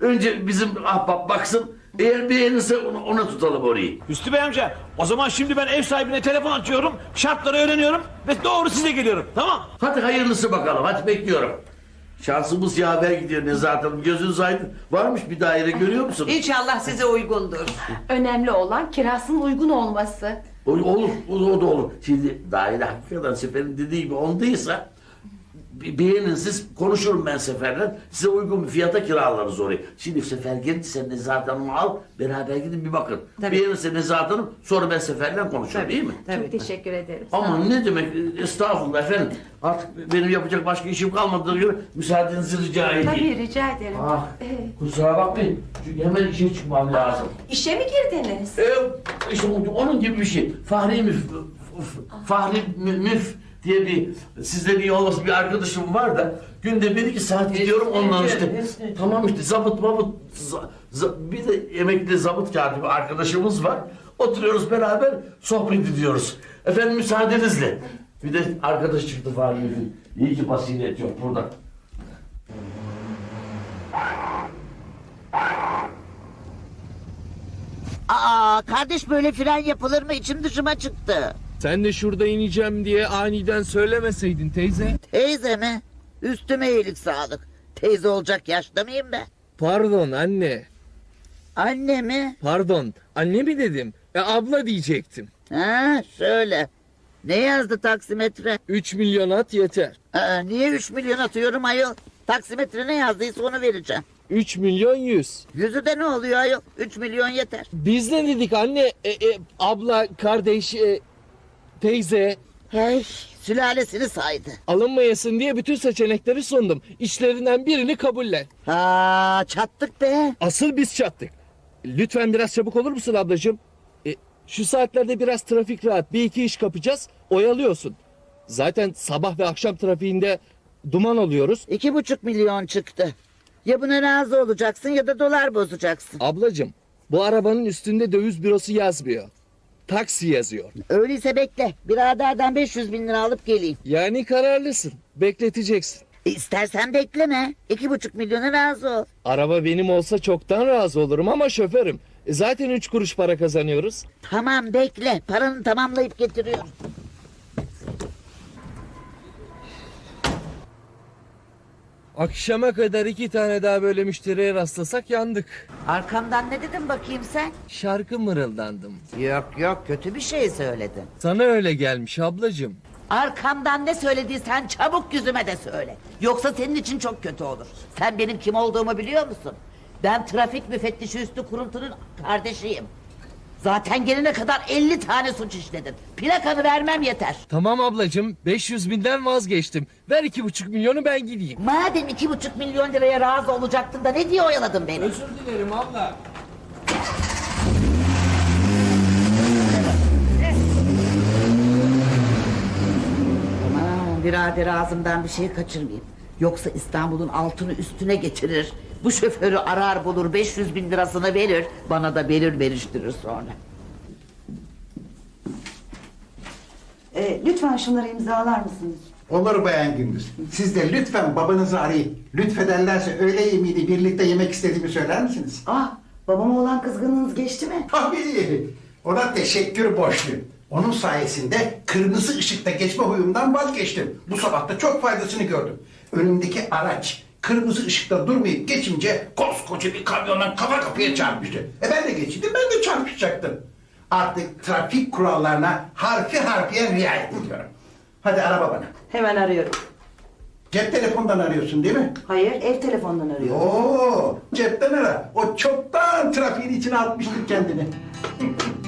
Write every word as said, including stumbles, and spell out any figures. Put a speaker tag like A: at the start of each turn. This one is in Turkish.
A: Önce bizim ahbap baksın. Eğer beğenirse ona, ona tutalım orayı.
B: Hüsnü Bey amca, o zaman şimdi ben ev sahibine telefon açıyorum, şartları öğreniyorum ve doğru size geliyorum, tamam?
A: Hadi hayırlısı bakalım. Hadi bekliyorum. Şansımız yaver gidiyor Nezahat Hanım. Gözünüz aydın. Varmış bir daire görüyor musun?
C: İnşallah size uygundur.
D: Önemli olan kirasının uygun olması.
A: O- Olur, o, o da olur. Şimdi daire hakikaten Sefer'in dediği gibi ondaysa be- beğenin siz, konuşurum ben Sefer'le. Size uygun bir fiyata kiralarız orayı. Şimdi Sefer gelirse Nezahat Hanım'ı al, beraber gidin bir bakın.
C: Tabii.
A: Beğenirse Nezahat Hanım, sonra ben Sefer'le konuşurum, değil mi?
C: Tabii.
D: Çok teşekkür ederim. Sağ
A: Ama
D: olun.
A: ne demek, estağfurullah efendim. Artık benim yapacak başka işim kalmadığına göre müsaadenizi rica edeyim.
D: Tabii rica ederim.
A: Ah,
D: Ee,
A: kusura bakmayın. Çünkü hemen işe çıkmam lazım.
D: işe mi girdiniz?
A: Ee, işte onun gibi bir şey. Fahri Müf, Fahri Mü- Müf diye bir, sizden iyi olması bir arkadaşım var da günde bir iki saat gidiyorum ondan işte. Tamam işte zabıt mabıt, za- za- bir de emekli zabıt katibi arkadaşımız var. Oturuyoruz beraber sohbet ediyoruz. Efendim müsaadenizle. Bir de arkadaş çıktı Fahri Müf'ün. İyi ki basiret yok burada.
E: Aa kardeş böyle fren yapılır mı? İçim dışıma çıktı.
F: Sen de şurada ineceğim diye aniden söylemeseydin teyze.
E: Teyze mi? Üstüme iyilik sağlık. Teyze olacak yaşta mıyım ben?
F: Pardon anne.
E: Anne mi?
F: Pardon. Anne mi dedim? E abla diyecektim.
E: Ha şöyle. Ne yazdı taksimetre?
F: Üç milyon at yeter.
E: Aa, niye üç milyon atıyorum ayol? Taksimetre ne yazdıysa onu vereceğim.
F: Üç milyon yüz.
E: Yüzü de ne oluyor ayol? Üç milyon yeter.
F: Biz ne dedik anne? E, e, abla, kardeş, e, teyze.
E: Hey sülalesini saydı.
F: Alınmayasın diye bütün seçenekleri sundum. İçlerinden birini kabullen.
E: Ha çattık be.
F: Asıl biz çattık. Lütfen biraz çabuk olur musun ablacığım? E, şu saatlerde biraz trafik rahat. Bir iki iş kapacağız. Oyalıyorsun. Zaten sabah ve akşam trafiğinde duman oluyoruz.
E: İki buçuk milyon çıktı. Ya buna razı olacaksın ya da dolar bozacaksın.
F: Ablacığım bu arabanın üstünde döviz bürosu yazmıyor. Taksi yazıyor.
E: Öyleyse bekle. Biraderden beş yüz bin lira alıp geleyim.
F: Yani kararlısın. Bekleteceksin.
E: E, İstersen bekleme. İki buçuk milyona razı ol.
F: Araba benim olsa çoktan razı olurum ama şoförüm. E, zaten üç kuruş para kazanıyoruz.
E: Tamam bekle. Paranı tamamlayıp getiriyorum.
F: Akşama kadar iki tane daha böyle müşteriye rastlasak yandık.
E: Arkamdan ne dedin bakayım sen?
F: Şarkı mırıldandım.
E: Yok yok kötü bir şey söyledin.
F: Sana öyle gelmiş ablacığım.
E: Arkamdan ne söylediysen çabuk yüzüme de söyle. Yoksa senin için çok kötü olur. Sen benim kim olduğumu biliyor musun? Ben trafik müfettişi Üstü Kuruntu'nun kardeşiyim. Zaten gelene kadar elli tane suç işledin. Plakanı vermem yeter.
F: Tamam ablacığım beş yüz binden vazgeçtim. Ver iki buçuk milyonu ben gideyim.
E: Madem iki buçuk milyon liraya razı olacaktın da ne diye oyaladın beni?
F: Özür dilerim abla.
E: Aman birader ağzımdan bir şey kaçırmayayım. Yoksa İstanbul'un altını üstüne getirir. Bu şoförü arar bulur beş yüz bin lirasını verir. Bana da belir veriştirir sonra.
G: Ee, lütfen şunları imzalar mısınız?
H: Olur Bayan Gündüz. Siz de lütfen babanızı arayın. Lütfederlerse öğle yemeğini birlikte yemek istediğimi söyler misiniz?
G: Ah, babama olan kızgınlığınız geçti mi?
H: Tabii. Ona teşekkür borçluyum. Onun sayesinde kırmızı ışıkta geçme huyumdan vazgeçtim. Bu sabah da çok faydasını gördüm. Önümdeki araç kırmızı ışıkta durmayıp geçince koskoca bir kamyondan kafa kapıya çarpmıştı. E ben de geçeydim, ben de çarpışacaktım. Artık trafik kurallarına harfi harfiye riayet ediyorum. Hadi ara babana.
G: Hemen arıyorum.
H: Cep telefondan arıyorsun değil mi?
G: Hayır, ev telefonundan arıyorum.
H: Oo, cepten ara. O çoktan trafiğin içine atmıştır kendini.